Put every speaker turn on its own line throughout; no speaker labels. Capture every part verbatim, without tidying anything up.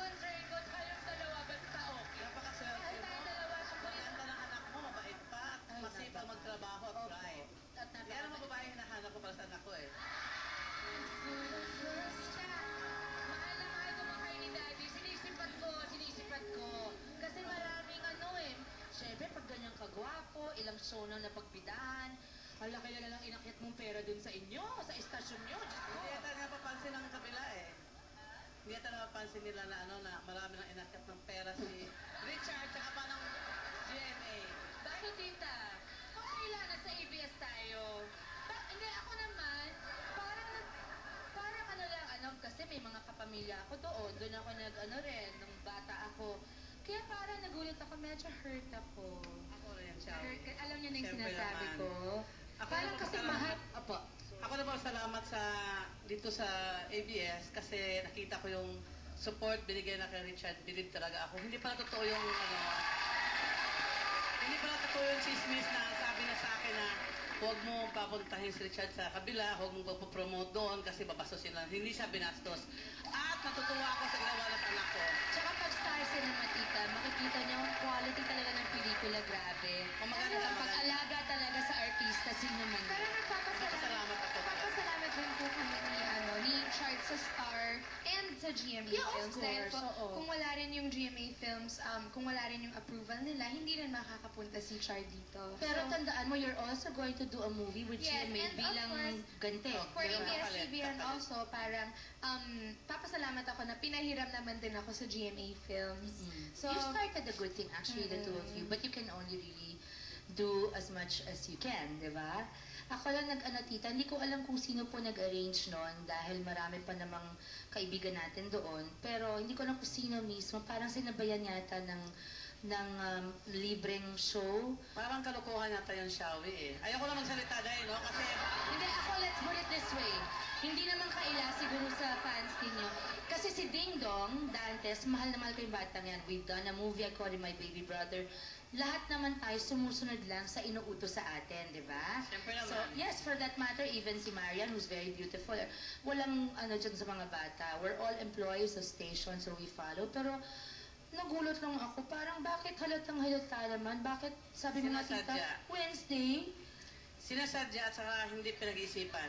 concern ko, kayong dalawa, basta okay.
Napakaswerte
Kahit
mo.
tayong dalawa,
Ang ganda ng anak mo, mabait pa.
Ay,
Masipag
napaka-
magtrabaho at
Opo.
drive.
At napaka-
Yan ang mga babae hinahanap ko para sa anak ko eh.
Mahal na mahal ko mga kayo ni Daddy. Sinisipat ko, sinisipat ko. Kasi maraming ano eh. Siyempre, pag ganyan kagwapo, ilang show na napagbidahan, hala kaya na lang inakyat mong pera dun sa inyo, sa istasyon nyo. Diyos ko.
Hindi yata napapansin ng kabila eh. Hindi yata napapansin nila na ano na marami nang inakyat ng pera si Richard tsaka pa ng G M A.
Bakit, tita? Okay lang, nasa A B S tayo. Ba, hindi, ako naman, parang, nag- parang ano lang, ano, kasi may mga kapamilya ako doon. Doon ako nag, ano rin, nung bata ako. Kaya parang nagulat ako, medyo hurt ako.
Ako rin, siya.
Hurt, alam niyo na yung
Siyempre
sinasabi
naman.
ko.
Ako
Parang
naman
kasi
pasalamat.
mahal, opo.
Ako naman salamat sa dito sa A B S kasi nakita ko yung support binigay na kay Richard. Believe talaga ako. Hindi pala totoo yung ano, hindi pala totoo yung chismis na sabi na sa akin na huwag mo papuntahin si Richard sa kabila, huwag mo papopromote doon kasi babastusin lang. Hindi siya binastos. At natutuwa ako sa ginawa ng anak ko.
Tsaka pag Star Cinema, tita, makikita niyo ang quality talaga ng pelikula, grabe.
O, maganda,
Ano,
maganda.
pag-alaga talaga sa artista, sino man.
Pero nagpapasalamat,
Nagpapasalamat ako.
nagpapasalamat din po kami ni, ano, ni Chart sa Star and sa G M A
Yeah, of
Films. Dahil
course,
po,
oo.
kung wala rin yung G M A Films, um, kung wala rin yung approval nila, hindi rin makakapunta si Chart dito.
Pero
So,
tandaan mo, you're also going to do a movie with
Yes,
G M A
and of
bilang
course,
ganti.
Oh,
for
di ba?
A B S
Kapalit,
C B N
kapalit.
also, parang um, papasalamat ako na pinahiram naman din ako sa G M A Films.
Mm.
So,
you started a good thing actually, the two of you,
Mm.
but you can only really do as much as you can, di ba? Ako lang nag-ano tita, hindi ko alam kung sino po nag-arrange nun dahil marami pa namang kaibigan natin doon, pero hindi ko alam kung sino mismo, parang sinabayan yata ng ng um, libreng show.
Parang kalokohan yata yung Shawi eh. Ayoko lang magsalita dahil, no? Kasi
Hindi, ako, let's put it this way. Hindi naman kaila siguro sa fans ninyo. Kasi si Ding Dong, Dantes, mahal na mahal ko yung batang yan. We've done a movie, I call him my baby brother. Lahat naman tayo sumusunod lang sa inuutos sa atin, di ba?
Siyempre naman.
So, yes, for that matter, even si Marian, who's very beautiful, walang ano dyan sa mga bata. We're all employees of station, so we follow. Pero, nagulat lang ako, parang bakit halatang halata naman? Bakit, sabi mo nga tita,
Sinasadya.
Wednesday?
sinasadya at saka hindi pinag-iisipan.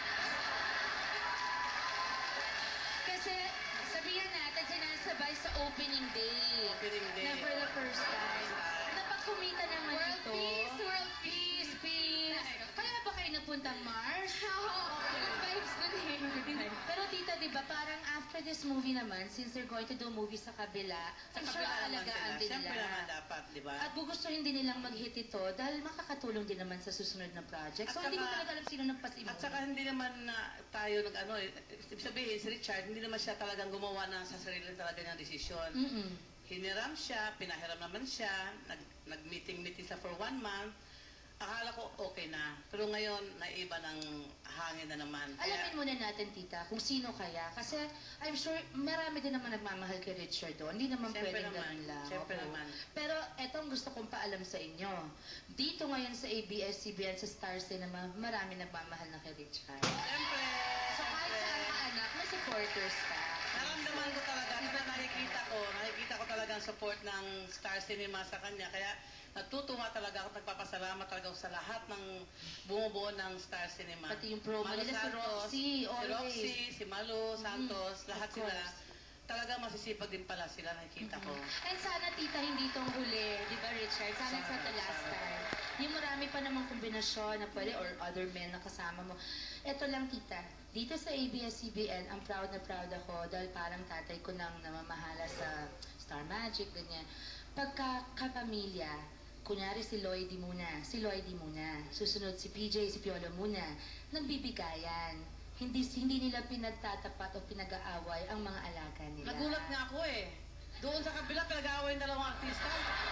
Kasi, sabihan natin, sinasabay sa opening day.
Opening day.
Na for the first time. Napagkumita naman
World
ito.
peace, world
peace, peace. Kaya ba kayo nagpuntang Mars?
good vibes dun eh.
Pero tita, di ba, parang after this movie naman, since they're going to do a movie sa kabila,
Sa
I'm sure
kabila naman
aalagaan
sila.
din
Siyempre
nila.
naman dapat, di ba?
At gugustuhin din nilang mag-hit ito dahil makakatulong din naman sa susunod na project.
At
So, hindi ko
saka-
talaga alam sino nagpasimula.
At saka hindi naman na tayo nag ano, eh, ibig sabihin si Richard, hindi naman siya talagang gumawa na sa sarili talaga niyang desisyon.
Mm-mm.
Hiniram siya, pinahiram naman siya, nag, nag-meeting-meeting sa for one month. Akala ko okay na. Pero ngayon, naiba ng hangin na naman.
Alamin muna natin, tita, kung sino kaya. Kasi I'm sure marami din naman nagmamahal kay Richard doon. Hindi naman
Siyempre
pwedeng
naman.
ganun lang.
Siyempre
Oo.
naman.
Pero etong gusto kong paalam sa inyo. Dito ngayon sa A B S C B N, sa Star Cinema, marami nagmamahal na kay Richard.
Siyempre,
So kahit
siyempre.
saan ka anak, may supporters ka.
Naramdaman ko talaga, kasi nakikita ko, nakikita ko talaga ang support ng Star Cinema sa kanya. Kaya natutuwa talaga ako, nagpapasalamat talaga ako sa lahat ng bumubuo ng Star Cinema.
Pati yung promo
Malu
nila, si
Santos,
Roxy,
Si
always.
Roxy, si Malu, Santos,
Mhm,
lahat
of
sila.
course.
Talaga masisipag din pala sila, nakikita ko.
And sana, tita, hindi itong huli. Di ba, Richard? Sana,
Sana,
sa the last
sana.
time. Yung marami pa namang kombinasyon na pwede or other men na kasama mo. Ito lang, tita. Dito sa A B S C B N, ang proud na proud ako dahil parang tatay ko nang namamahala sa Star Magic, ganyan. Pagka kapamilya, kunyari si Lloydie muna, si Lloydie muna. Susunod si P J, si Piolo muna. Nagbibigayan. Hindi hindi nila pinagtatapat o pinag-aaway ang mga alaga nila.
Nagulat nga ako eh. Doon sa kabila, pinag-aaway yung dalawang artista.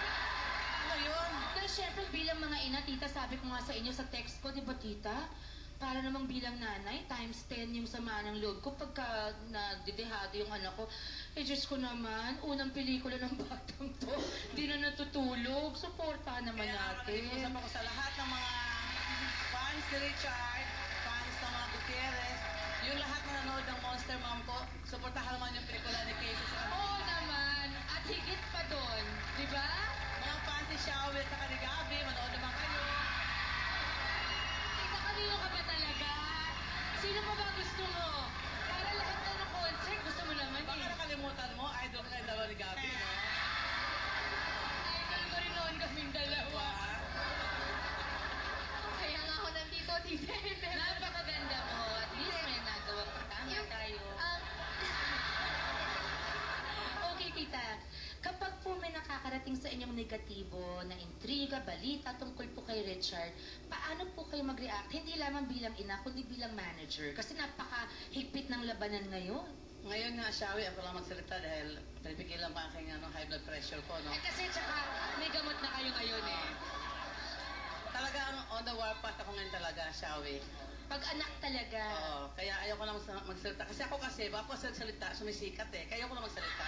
Ano yun?
Pero syempre bilang mga ina, tita, sabi ko nga sa inyo sa text ko, di ba tita? Para namang bilang nanay, times ten yung sama ng loob ko pagka nadidehado yung anak ko. Eh, Diyos ko naman, unang pelikula ng batang to, di na natutulog. Suportahan naman
Kaya
natin.
nakikiusap ako sa lahat ng mga fans ni Richard, fans ng mga Gutierrez, yung lahat na nanood ng Monster Mom ko, suportahan naman yung pelikula ni Casey sa
Oo naman. At higit pa doon. Di ba?
mga fans ni Xiaomi at saka ni Gabi, manood naman kayo.
Tita, kanino ka ba talaga? Sino pa ba gusto mo? Para lahat na ng concert, gusto mo naman
Baka
eh.
nakalimutan mo, idol ka yung dalawa ni Gabi, no?
Idol ko rin noon kaming dalawa.
Kaya nga ako nandito, Tita Ellen.
Napakaganda mo. At least may nagawa pa. Tama
Yung-
tayo.
Um,
Okay, tita. Kapag po may nakakarating sa inyong negatibo na intriga, balita tungkol po kay Richard, paano po kayo mag-react? Hindi lamang bilang ina, kundi bilang manager. Kasi napakahigpit ng labanan ngayon.
Ngayon nga, Xiaomi, ako lang magsalita dahil pinipigilan pa aking ano, high blood pressure ko, no?
Eh kasi tsaka may gamot na kayo ngayon eh.
Talagang on the warpath ako ngayon talaga, Xiaomi.
Pag anak talaga.
Oo, kaya ayoko na magsa- magsalita. Kasi ako kasi, bago ako magsalita, sumisikat eh. Kaya ayoko na magsalita.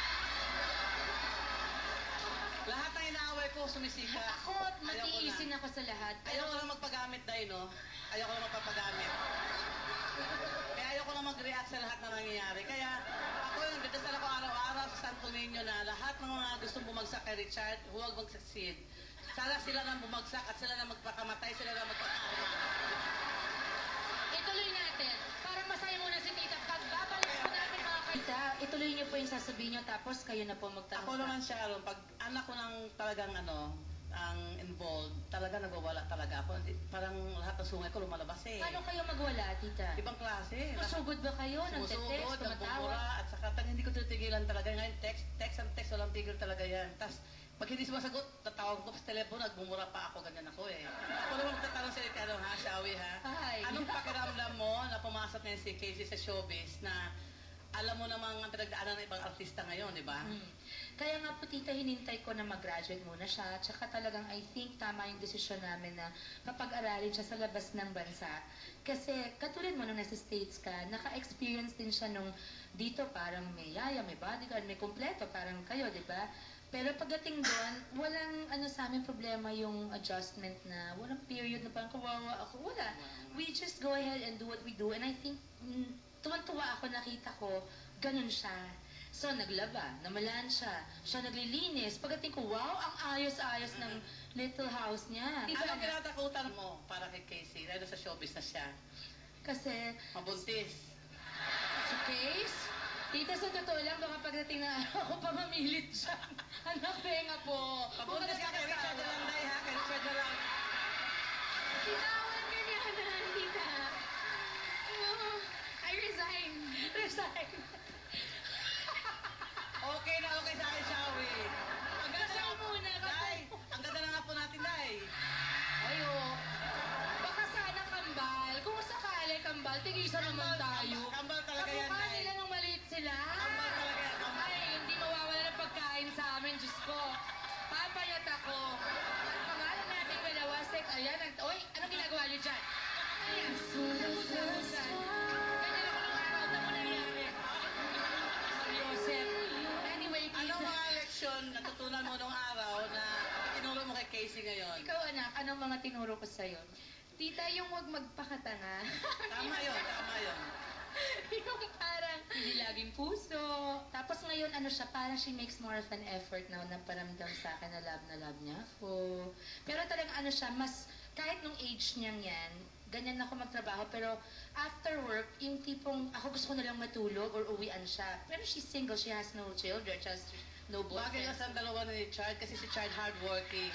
Lahat ng inaaway ko, sumisikat.
Ako,
Ayoko
matiisin
na.
ako sa lahat.
Ayoko na magpagamit, Day, no? Ayoko na magpapagamit. Kaya ayoko na mag-react sa lahat na nangyayari. Kaya ako yung dadasal ako araw-araw sa Santo Niño na lahat ng mga gustong bumagsak kay Richard, huwag mag-succeed. Sana sila na bumagsak at sila na magpakamatay, sila na magpakamatay.
Ituloy natin. Para masaya muna si tita. Pagbabalik po natin mga kayo. Tita, ituloy niyo po yung sasabihin niyo tapos kayo na po magtanong
Ako naman, Sharon, pag anak ko ng talagang ano, ang involved, talaga nagwawala talaga ako. Hindi- Parang lahat ng sungay ko lumalabas eh.
Paano kayo magwala, tita?
Ibang klase.
Masugod ba kayo? Nagte-text,
Sumusugod,
tumatawa?
nagbubura, at saka tang hindi ko titigilan talaga. Ngayon, text, text and text, walang tigil talaga yan. Tapos, pag hindi sumasagot, tatawag ko sa telepono, nagbumura pa ako, ganyan ako eh. Ako naman magtatanong sa ano ha, Shawi ha?
Hi.
Anong pakiramdam mo na pumasok na si Casey sa showbiz na alam mo namang ang pinagdaanan ng ibang artista ngayon, di ba?
Hmm. Kaya nga po tita, hinintay ko na mag-graduate muna siya. Tsaka talagang I think tama yung desisyon namin na papag-aralin siya sa labas ng bansa. Kasi katulad mo nung nasa States ka, naka-experience din siya nung dito parang may yaya, may bodyguard, may kumpleto, parang kayo, di ba? Pero pagdating doon, walang ano sa amin problema yung adjustment na walang period na parang kawawa ako. Wala. We just go ahead and do what we do. And I think, mm, tuwan-tuwa ako, nakita ko, ganun siya. So, naglaba, namalaan siya. Siya naglilinis. Pagdating ko, wow, ang ayos-ayos ng little house niya. Diba,
Anong
anak?
kinatakutan mo para kay Casey? Dahil sa showbiz na siya.
Kasi,
Mabuntis.
sa case, tita, sa totoo lang, baka pagdating na araw ko pa mamilit siya. Anak, penga po.
Mabuntis ka kay Richard na lang, Day, ha? Kay Richard na lang.
Bitawan ka niya na, Tita. Oh, I resign.
Resign.
Okay na okay sa akin, Shawi. Ang ganda
Kasal
na
muna, kasal.
Day, ang ganda na nga po natin, Day.
Ayo. Baka sana kambal. Kung sakali kambal, tigisan naman
Kambal,
tayo.
kambal, kambal talaga yan,
Kamukha
Day.
nila nung maliit sila.
Kambal talaga yan, kambal.
Ay, hindi mawawala ng pagkain sa amin, Diyos ko. Papayat ako. At pangalan nating dalawa, sek, ayan. Ang, oy, anong ginagawa niyo dyan? Ayan. Ubusan-ubusan. Ganyan ako nung araw na mo nangyari. Joseph. Anyway,
Anong
tita.
mga leksyon natutunan mo nung araw na itinuro mo kay Casey ngayon?
Ikaw, anak, anong mga tinuro ko sa'yo?
Tita, yung wag magpakatanga.
Tama yun, tama yun.
Yung parang,
Hindi laging puso. Tapos ngayon, ano siya, parang she makes more of an effort now na paramdam sa akin na love na love niya ako. Pero talagang ano siya, mas, kahit nung age niyang yan, ganyan ako magtrabaho. Pero after work, yung tipong, ako gusto ko na lang matulog or uwian siya. Pero she's single, she has no children, she has no
Bagay
boyfriend.
na sa dalawa ni Chard kasi si Chard hardworking.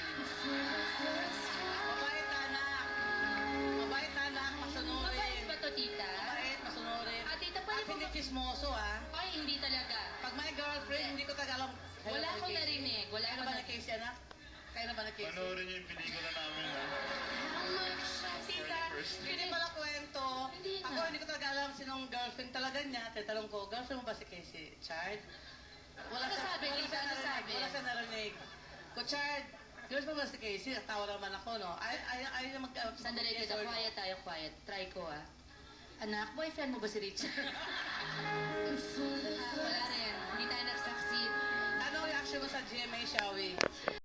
Mabait na anak. Mabait na anak, masunurin.
Mabait ba to, tita?
Mabait, masunurin.
Ah, tita,
At
pwede mo
hindi
ba-
chismoso, ha?
Ay, hindi talaga.
Pag may girlfriend, hindi ko talaga alam.
Wala akong narinig. Wala
Kaya na
akong
ba na
narinig.
Casey, anak? Kaya na ba na Casey?
Panoorin niyo yung pelikula namin, ha?
Tita,
First.
hindi pala kwento.
Hindi na.
Ako, hindi ko talaga alam sinong girlfriend talaga niya. Tatanong ko, girlfriend mo ba si Casey? Chard? Wala
Ano
siya-
sabi,
wala
tita?
siya
Ano
narinig.
sabi?
Wala siya narinig. Ko, Chard, girlfriend mo ba si Casey? Tawa naman ako, no? Ay, ay, ay, ay mag...
Sandali,
yes
tita.
or no.
Quiet tayo, quiet. Try ko, ah. Anak, boyfriend mo ba si Richard? Ah, wala rin. Hindi tayo nagsaksi.
Ano ang reaction mo sa G M A, Shawi?